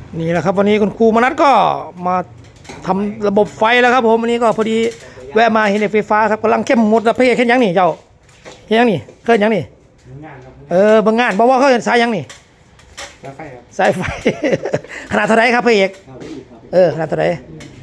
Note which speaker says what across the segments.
Speaker 1: นี่แหละครับวันนี้คุณครูมนัสก็มาทำระบบไฟแล้วครับผมวันนี้ก็พอดีแวะมาเห็นไฟฟ้าครับกำลังเข้มหมดแล้วพี่เห็นยังนี่เจ้าเห็นยังนี่เคยยังนี่บางงานบอกว่าเขาเห็นสายยังนี่สายไฟขนาดเท่าไรครับพี่เอกขนาดเท่าไร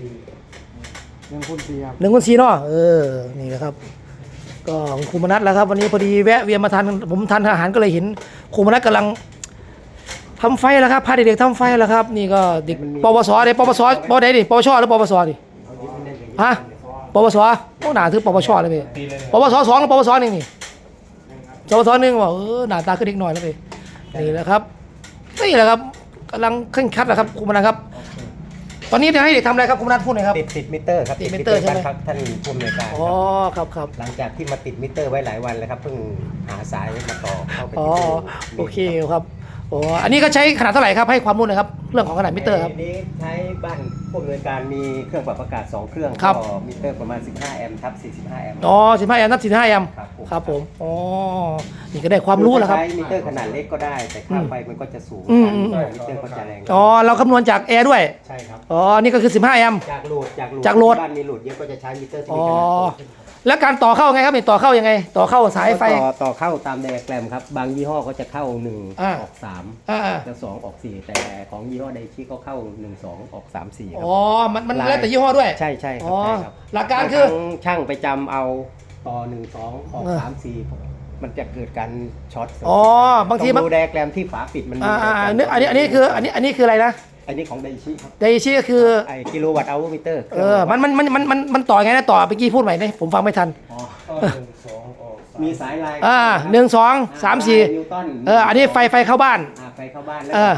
Speaker 1: 1 คูณ 4เนาะนี่แหละครับก็คุณครูมนัสแล้วครับวันนี้พอดีแวะเวียนมาทานผมทานอาหารก็เลยเห็นครูมนัสกำลังทำไฟแล้วครับพาเด็กๆทำไฟแล้วครับนี่ก็เด็กปวสเด็กปวสปวไหนดิปวชหรือปวสดิฮะปวสโอ้หนาถือปวชเลยพี่ปวส2หรือปวส1นี่ปวส1บอกหน้าตาขึ้นเด็กหน่อยแล้วพี่นี่แหละครับนี่แหละครับกำลังเคร่งครัดแล้วครับครูมนัสครับตอนนี้จะให้เด็กทำอะไรครับครูมนัสพูดหน่อยครับ
Speaker 2: ติดมิเตอร์ครับ
Speaker 1: ติดมิเตอร์ใช่ไหม
Speaker 2: ครับท่านผู้อำนวยการ
Speaker 1: อ๋อครับ
Speaker 2: หลังจากที่มาติดมิเตอร์ไว้หลายวันแล้วครับเพิ่งหาสายมาต่อเข้าไป
Speaker 1: โอเคครับอันนี้ก็ใช้ขนาดเท่าไหร่ครับให้ความรู้หน่อยครับเรื่องของขนาดมิเตอร์ครับ
Speaker 2: นี้ใช้บ้านผู้อำนวยการมีเครื่องปรับอากาศ2เครื่องก็มิเตอร์ประมาณ15แอมป์ทับ45แอมป์
Speaker 1: 15แอมป์นับ45แอมป์ครับผมนี่ก็ได้ความรู้แล้วครับ
Speaker 2: ใช้มิเตอร์ขนาดเล็กก็ได้แต่ค่าไฟมันก็จะสูงมิเตอร์ก็จะแรง
Speaker 1: เราคำนวณจากแอร์ด้วย
Speaker 2: ใช่ครับ
Speaker 1: นี่ก็คือ15แอมป์
Speaker 2: จากโหลดบ้านมีโหลดเยอะก็จะใช้มิเตอร์ที่มีขนาด
Speaker 1: แล้วการต่อเข้าไงครับต่อเข้ายังไงต่อเข้าสายไฟ
Speaker 2: ต่อเข้าตามไดอะแกรมครับบางยี่ห้อก็จะเข้า1ออก3แล้ว2ออก4แต่ของยี่ห้อไดชิก็เข้า1 2ออก3 4ครับ
Speaker 1: มันแล้วแต่ยี่ห้อด้วย
Speaker 2: ใช่ครับ
Speaker 1: หลักการคือ
Speaker 2: ช่างไปจำเอาต่อ1 2ออก3 4มันจะเกิดการช็อต
Speaker 1: บางที
Speaker 2: มันดูไดอะแกรมที่ฝาปิดมัน
Speaker 1: อันนี้คืออะไรนะ
Speaker 2: อันนี้ของไดชิครับ
Speaker 1: ไดชิก็คือ
Speaker 2: ไอกิโลวัตต์เอามิเตอร์
Speaker 1: มันต่อไงนะต่อเมื่อกี้พูดใหม่นะผมฟังไม่ทัน
Speaker 2: มีสายลาย
Speaker 1: 1 2 3 4อันนี้ไฟเข้าบ้าน
Speaker 2: ไฟเข้าบ้านแล้ว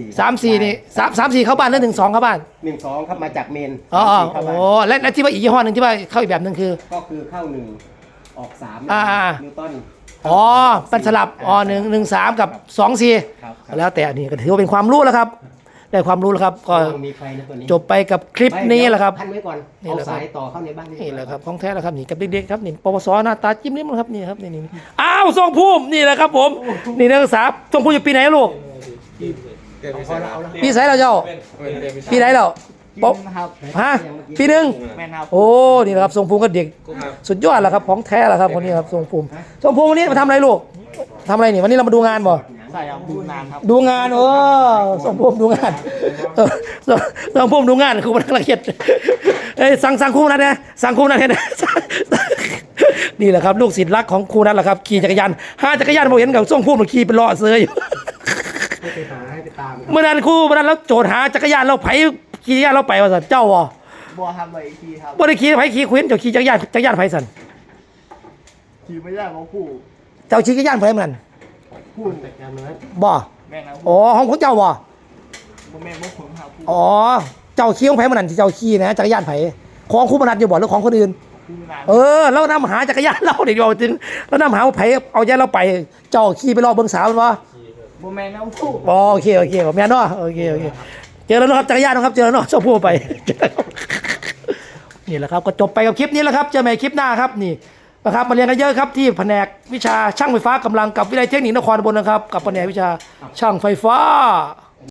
Speaker 1: 3 4นี่3 4เข้าบ้านแล้ว1 2เข้าบ้าน
Speaker 2: 1 2ครับมาจากเมน
Speaker 1: และที่ว่าอีกยี่ห้อหนึ่งที่ว่าเข้าอีกแบบหนึ่งคือ
Speaker 2: ก็คือเข้า1ออก3นิวตัน
Speaker 1: เป็นสลับ1 3กับ2 4แล้วแต่อันนี้ก็ถือว่าเป็นความรู้แล้วครับได้ความรู้แล้วครับก็จบไปกับคลิปนี้แหละครับ
Speaker 2: พันไว้ก่อนเอาสายต่อเข้าในบ้าน
Speaker 1: นี่แหละครับของแท้แล้วครับนี่กับเด็กๆครับนี่ปวสหน้าตาจิ้มลิ้มครับนี่ครับนี่อ้าวทรงภูมินี่แหละครับผมนี่นักศึกษาทรงภูมิอยู่ปีไหนลูกปีไหนเราเจ้าปีไหนเราปีหนึ่งโอ้นี่นะครับทรงภูมิก็เด็กสุดยอดแล้วครับของแท้แล้วครับคนนี้ครับทรงภูมิวันนี้มาทำอะไรลูกทำอะไรนี่วันนี้เรามาดูงานบ่
Speaker 3: ใช่ครับดูงานครับ
Speaker 1: ดูงานทรงภูมิดูงานทรงภูมิดูงานครูมันละเอียดสั่งครูนัทนะสั่งครูนัทนะนี่แหละครับลูกศิษย์รักของครูนัทแหละครับขี่จักรยานจักรยานผมเห็นกับทรงภูมิขี่เป็นล้อเสืออยู่เมื่อนั้นครูเมื่อนั้นแล้วโจทย์หาจักรยานเราไผขี่จักรยานเราไปว่าสันเจ้าบ่
Speaker 3: ทำไปขี่ครับ
Speaker 1: บ่ได้ขี่ไผขี่คุยเจ้าขี่จักรยานไผสัน
Speaker 3: ขี่ไม่ได้ของผู้
Speaker 1: เจ้าขี่จักรยานไผมันบ่ของเจ้าบ่เจ้าขี่ของไผมันนั่นที่เจ้าขี่นะจักรยานไผของครูมนัสอยู่บ่หรือของคนอื่นแล้วนำหาจักรยานเราเด็กเราจริงแล้วนำหาไผเอาใจเราไปเจ้าขี่ไปรอเบิ่งสาวมันบ่
Speaker 3: แม่น้องผู้
Speaker 1: โอเคแม่เนาะโอเคเจอแล้วนะครับจักรยานนะครับเจอแล้วเนาะชอบพูดไปนี่แหละครับก็จบไปกับคลิปนี้แล้วครับเจอใหม่คลิปหน้าครับนี่นะครับมาเรียนกันเยอะครับที่แผนกวิชาช่างไฟฟ้ากำลังกับวิทยาลัยเทคนิคนครบลนะครับกับแผนกวิชาช่างไฟฟ้า